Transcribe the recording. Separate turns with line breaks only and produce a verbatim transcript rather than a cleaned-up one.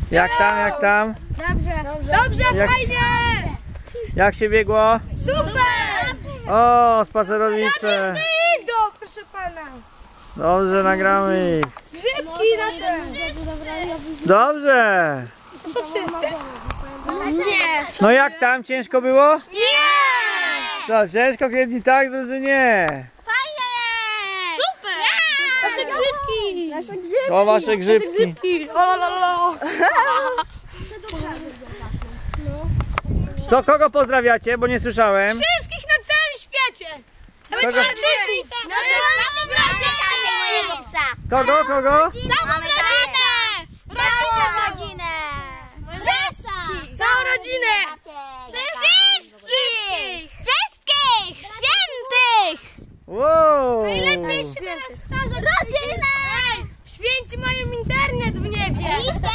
Jak tam, jak tam?
Dobrze, dobrze,
Dobrze,
Jak-
fajnie!
Jak się biegło?
Super!
O, spacerowicze.
Idą, proszę pana.
Dobrze, nagramy ich.
Grzybki nasze.
Dobrze.
To wszyscy?
Nie!
No jak tam? Ciężko było?
Nie!
Co, ciężko, jedni tak, drudzy nie.
Super!
Nasze grzybki.
Nasze grzybki!
To wasze grzybki.
Grzybki. O, lo, lo, lo.
To kogo pozdrawiacie, bo nie słyszałem?
Wszystkich na całym świecie. Nawet
Kogo?
grzybki.
Na całą rodzinę mojego psa!
Kogo, kogo?
Całą rodzinę! Całą rodzinę!
Wszystkich. Całą rodzinę.
Wszystkich! Wszystkich! Świętych!
Wow.
Najlepiej się teraz starza.
Rodzinę!
Święci mają internet w niebie.
Blisko